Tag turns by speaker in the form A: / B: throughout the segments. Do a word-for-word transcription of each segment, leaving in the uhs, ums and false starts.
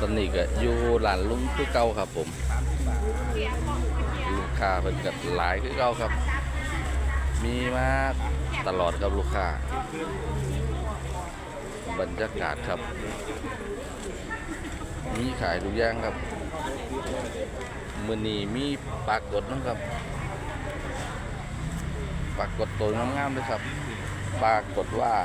A: อนนี้ก็อยู่ร้านลุงคือเก่าครับผมลูกค้าเพิ่นก็หลายคือเก่าครับ มีมาตลอดครับลูกค้าบรรยากาศครับ มีขายทุกอย่างครับมื้อนี้มีปลากดนะครับปลากดตัวงามๆเลยครับปลากดว่า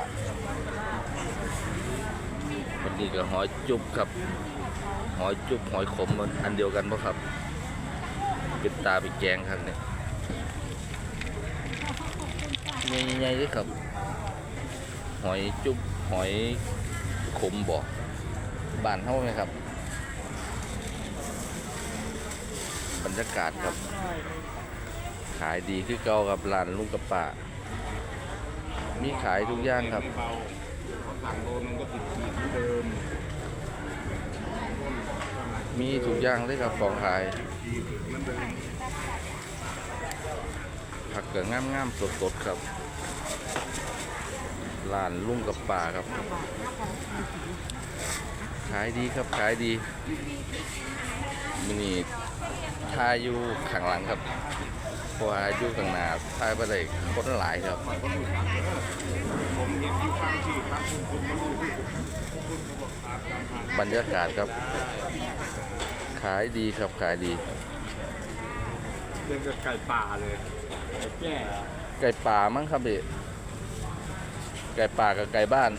A: วันนี้ก็หอยจุบครับหอยจุบหอยขมอันเดียวกันป่ะครับเป็นตาเป็นแกงครับเนี่ยใหญ่ๆเลยครับหอยจุบหอยขมบ่บ้านเท่าไหมครับบรรยากาศครับขายดีคือเก่ากับร้านลุงกับป้ามีขายทุกอย่างครับมีทุกอย่างเลยครับของขายผักเกลืองามๆสดๆครับร้านลุงกับป้าครับขายดีครับขายดีมินิทายอยู่ข้างหลังครับเพราะว่าอยู่ข้างหน้าทายไปได้คนหลายครับบรรยากาศครับขายดีครับขายดี
B: เรื่องกับไก่ป่าเลยแก่
A: ไก่ป่ามั้งครับพี่ไก่ป่ากับไก่บ้าน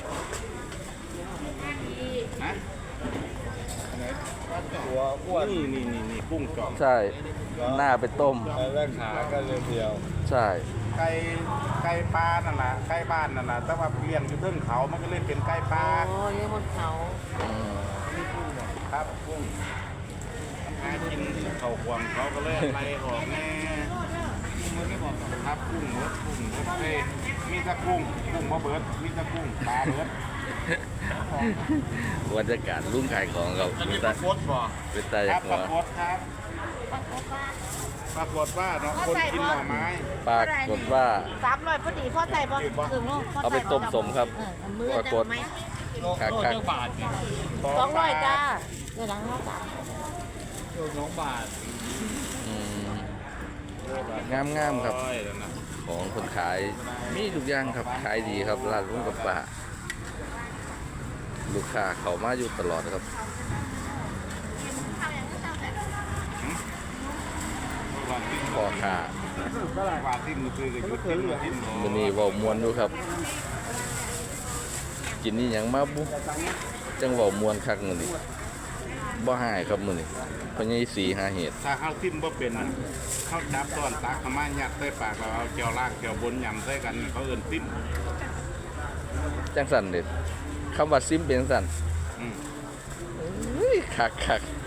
B: ตัวอ้วนนี่นี่นี่นี่กุ้งจ่อม
A: ใช่หน้าไปต้ม
B: แล้วขาก็เรียว
A: ใช่
B: ไก่ไก่ปลานั่นน่ะไก่บ้านนั่นน่ะแต่ว่าเลี้ยงอยู่เทิงเขามันก็เลยเป็นไก่ปลา
C: โอ้ยบนเขา
B: ครับกุ้งหากินเขาควงเขาก็เลยไล่ออกแน่ครับกุ้งเบิดกุ้งเบิดเอ้มีแต่กุ้งกุ้งบ่เบิดมีแต่กุ้งปลาเบิด
A: บรรยากาศรุ่งขายของเรา
B: เป็นตาโคตรบ่
A: เป็นตา
B: ครับปลาโคตรครับปลาโคตรว่าเนาะคนกินหน่อไม้
A: ปลากดว่า
C: สามร้อยพอดีพ่อใส่บ่ถึงลูก
A: เอาไปต้มสมครับปลากดคักคัก
C: สองร้อยจ้าเดี๋ยวหลังห้าสาม
B: สองบาท
A: งามงามครับของคนขายมีทุกอย่างครับขายดีครับร้านลุงกับป้าลูกค้าเขามาอยู่ตลอดครับพอค่ะมันนี่ว่ามวนดูครับกินนี่ยังมาบุจังว่ามวนคักมือนี่บ่หายครับมือนี่เพราะงี้สีหาเหตุ
B: ถ้าข้าวซิมบ่เป็นข้าวจับตอนตักขม่ายัดใส่ปากเราเอาเจียวล่างเจียวบนยำใส่กันเขาเอิ้นซิม
A: จังสันเด็ดคำว่าซิมเป็นสันคักคัก